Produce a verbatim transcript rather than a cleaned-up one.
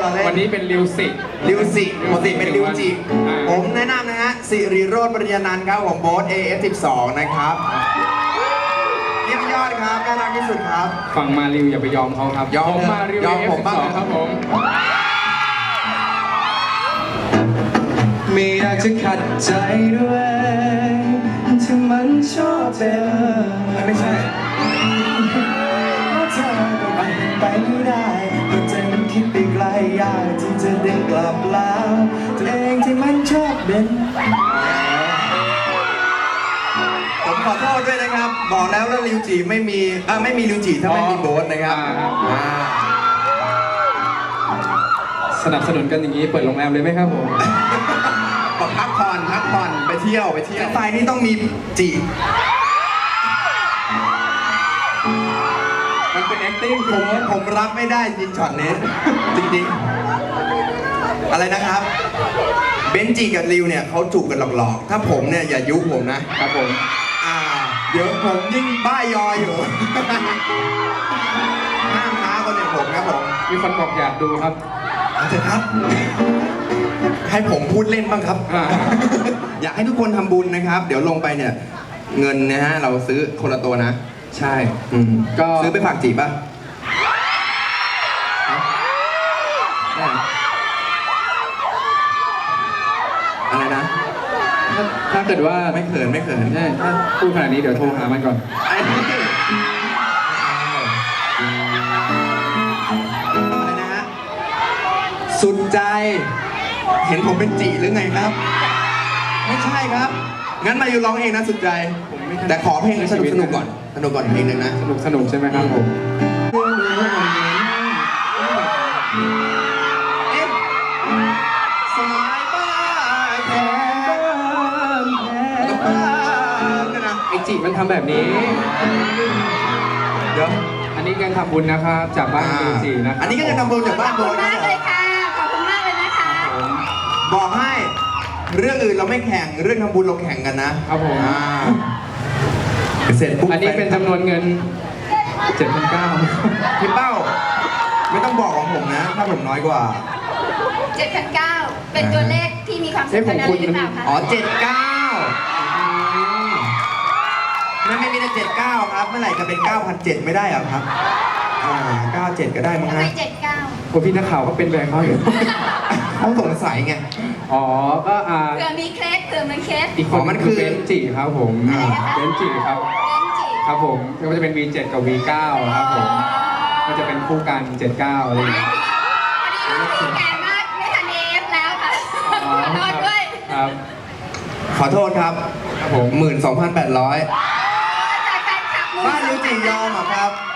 เราเล่นวันนี้เป็นริวสิริวสิปกติเป็นริวจิผมแนะนำนะฮะสิริโรจน์ปริญญานันท์ครับของโบ๊ท เอ เอฟ สิบสอง นะครับเยี่ยมยอดครับน่ารักที่สุดครับฝั่งมาริวอย่าไปยอมเขาครับยอมผมมาริวยอมผมบ้างครับผมไม่อยากจะขัดใจด้วยที่มันชอบเธอไม่ใช่เธอก็ไปไปไม่ได้ก็ใจมันคิดไปไกลยากที่จะเดินกลับแล้วตัวเองที่มันชอบเด่นผมขอโทษด้วยนะครับบอกแล้วว่าริวจิไม่มีอ่าไม่มีริวจิถ้าไม่มีโบ๊ทนะครับสนับสนุนกันอย่างนี้เปิดโรงแรมเลยไหมครับผมบอกพักผ่อนพักผ่อนไปเที่ยวไปเที่ยวไฟนี่ต้องมีจีมันเป็น acting ผมผมรับไม่ได้จริงช็อตนี้จริงๆอะไรนะครับเบนจีกับริวเนี่ยเขาจูบกันหลอกๆถ้าผมเนี่ยอย่ายุผมนะครับผมอ่าเดี๋ยวผมยิ่งบ้ายออยู่ห้ามท้าคนอย่างผมครับผมมีคนบอกอยากดูครับอาจารย์ครับให้ผมพูดเล่นบ้างครับ อยากให้ทุกคนทำบุญนะครับเดี๋ยวลงไปเนี่ยเงินนะฮะเราซื้อคนละตัวนะใช่ก็ซื้อไปฝากจีบป่ะอะไรนะถ้าเกิดว่าไม่เขินไม่เขินใช่ถ้าพูดขนาดนี้เดี๋ยวโทรหามันก่อนอะไรนะฮะสุดใจเห็นผมเป็นจีหรือไงครับไม่ใช่ครับงั้นมาอยู่ร้องเองนะสุดใจแต่ขอเพลงสนุกสนุกก่อนสนุกก่อนเพลงหนึ่งนะสนุกสนุกใช่ไหมครับผมสายบ้าแค่บ้านะไอจิมันทำแบบนี้เดี๋ยวอันนี้การทำบุญนะครับจากบ้านริวจินะครับอันนี้ก็จะทำบุญจากบ้านโบขอบคุณมากเลยค่ะขอบคุณมากเลยนะคะบอกให้เรื่องอื่นเราไม่แข่งเรื่องทำบุญเราแข่งกันนะครับผมเสร็จปุ๊บอันนี้เป็นจำนวนเงิน เจ็ดพันเก้าร้อยพี่เป้าไม่ต้องบอกของผมนะถ้าผมน้อยกว่าเจ็ดพันเก้าร้อย เป็นตัวเลขที่มีความสำคัญอะไรหรือเปล่าคะอ๋อเจ็ดเก้าไม่ไม่มีแต่เจ็ดเก้าครับเมื่อไหร่จะเป็นเก้าพันเจ็ดไม่ได้หรอครับอ่าเก้าเจ็ดก็ได้มั้งฮะทำไมเจ็ดเก้าคนพี่นักข่าวก็เป็นแบบเขาอยู่เขาสงสัยไงอ๋อก็อ่าเผื่อมีเคล็ดเผื่อมันเคล็ดอีกคนมันคือเบนจิครับผมเบนจิครับเบนจิครับผมก็จะเป็น วี เจ็ด กับ วี เก้า ครับผมก็จะเป็นคู่กันเจ็ดเก้าอะไรอย่างเงี้ยพอดีลูกแก่มากไม่ทันเอฟแล้วค่ะขอโทษด้วยครับขอโทษครับครับผมหมื่นสองพันแปดร้อยจากแฟนคลับบ้านริวจิยอมอ่ะครับ